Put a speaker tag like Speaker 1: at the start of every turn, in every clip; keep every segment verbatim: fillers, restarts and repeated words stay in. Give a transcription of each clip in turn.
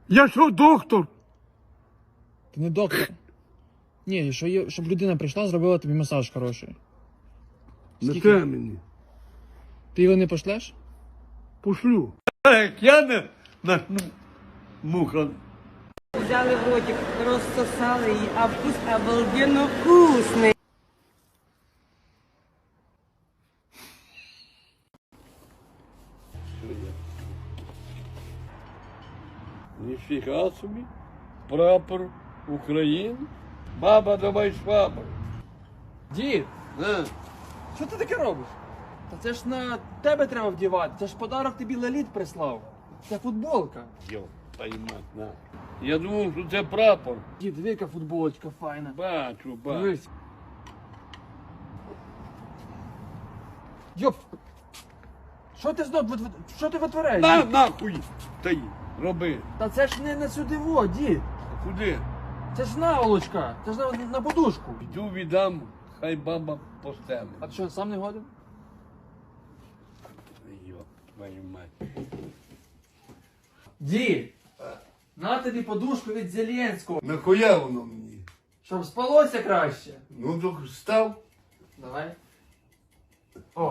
Speaker 1: Я що, доктор?
Speaker 2: Ти не доктор. Ні, що є, щоб людина прийшла, зробила тобі масаж хороший.
Speaker 1: Не
Speaker 2: Скільки?
Speaker 1: те мені.
Speaker 2: Ти його не пошлеш?
Speaker 1: Пошлю. Як я не начну муха.
Speaker 3: Взяли в ротик, розсосали її, а вкус обалденно вкусний.
Speaker 1: Ніфіга собі. Прапор України. Баба, давай швабру.
Speaker 2: Дід,
Speaker 1: На.
Speaker 2: що ти таке робиш? Та це ж на тебе треба вдівати. Це ж подарок тобі Леліт прислав. Це футболка.
Speaker 1: Йо, поймать, на. Я думав, що це прапор.
Speaker 2: Дід, диви, яка футболочка файна.
Speaker 1: Бачу, бачу.
Speaker 2: Дивись. Йоп! Що ти знов, вит- вит- що ти витворяєш?
Speaker 1: На,
Speaker 2: дід?
Speaker 1: нахуй. Та й, роби.
Speaker 2: Та це ж не на сюди во, дід.
Speaker 1: Куди?
Speaker 2: Це ж наволочка. Це ж на, на подушку.
Speaker 1: Йду віддам, хай баба постелить.
Speaker 2: А ти що, сам не годен?
Speaker 1: Йо, твою мать.
Speaker 2: Дід! На тобі подушку від Зеленського.
Speaker 1: Нахуя воно мені?
Speaker 2: Щоб спалося краще.
Speaker 1: Ну, то став.
Speaker 2: Давай. О.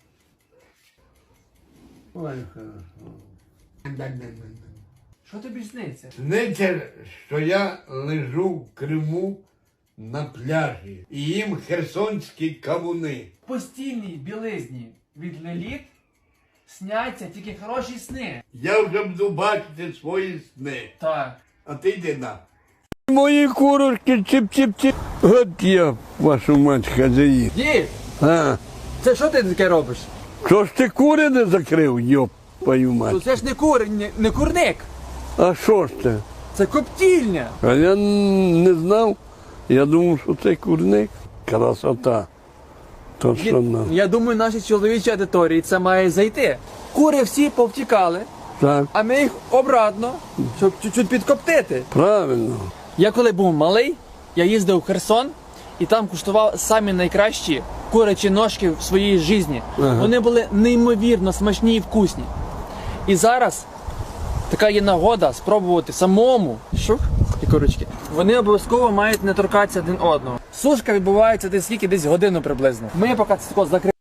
Speaker 1: Ой, хорошо.
Speaker 2: Що тобі сниться?
Speaker 1: Сниться, що я лежу в Криму на пляжі і їм херсонські кавуни.
Speaker 2: В постільній білизні від Леліт сняться тільки хороші сни.
Speaker 1: Я вже буду бачити свої сни.
Speaker 2: Так.
Speaker 1: А ти йди на. Мої курочки чіп-чіп-чіп. От я, вашу мать, хазяїн.
Speaker 2: Дід!
Speaker 1: А,
Speaker 2: Це що ти таке робиш?
Speaker 1: що ж ти кури не закрив, йоп, твою
Speaker 2: То
Speaker 1: мать.
Speaker 2: це ж не кур, не, не курник.
Speaker 1: А що ж це?
Speaker 2: Це коптільня.
Speaker 1: А я н- не знав. Я думав, що це курник. Красота. То
Speaker 2: Дід,
Speaker 1: що нам.
Speaker 2: я думаю, нашій чоловічій аудиторії це має зайти. Кури всі повтікали,
Speaker 1: Так,
Speaker 2: а ми їх обратно, щоб чуть-чуть підкоптити.
Speaker 1: правильно.
Speaker 2: Я коли був малий, я їздив в Херсон і там куштував самі найкращі курячі ножки в своїй житті.
Speaker 1: Ага.
Speaker 2: Вони були неймовірно смачні і вкусні. І зараз така є нагода спробувати самому. Шух, і курочки. Вони обов'язково мають не торкатися один одного. Сушка відбувається десь скільки, десь годину приблизно. Ми поки це тако закриємо.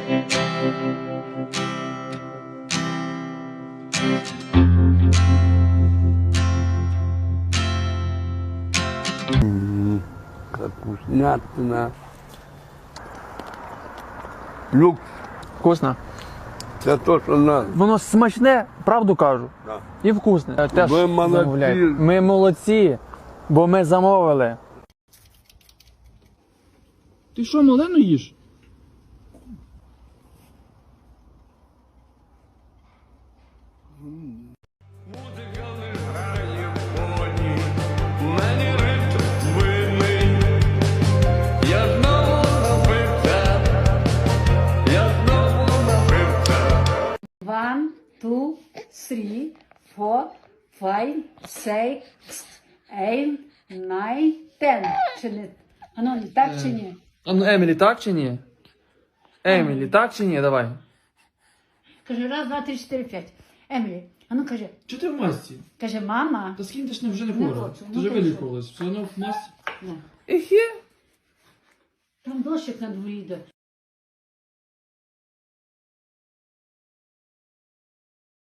Speaker 1: Капуснятина. Люкс.
Speaker 2: Вкусно.
Speaker 1: Це то, що надо.
Speaker 2: Воно смачне, правду кажу.
Speaker 1: Да.
Speaker 2: І вкусне. Теж
Speaker 1: Ви молодці.
Speaker 2: замовляйте. Ми молодці, бо ми замовили. Ти що, малену їш?
Speaker 1: Музика не грає в фоні, мені ритм винний. Я знову напився, я знову напився.
Speaker 4: One, two, three, four, five, six, eight, nine, ten. Чи не? А ну, так чи ні?
Speaker 2: А ну, Емілі, так чи ні? Емілі, так чи ні? Давай.
Speaker 4: Каже, раз, два, три, чотири, п'ять. Емілі, а ну каже,
Speaker 2: Чого ти в масці?
Speaker 4: каже, мама.
Speaker 2: Та скинь, ти ж вже не
Speaker 4: Не
Speaker 2: хвора.
Speaker 4: хочу,
Speaker 2: Ти
Speaker 4: ну
Speaker 2: вже
Speaker 4: ти
Speaker 2: вилікувалась. Все одно в масці.
Speaker 4: Не.
Speaker 2: Ехе.
Speaker 4: Там дощик на дворі йде.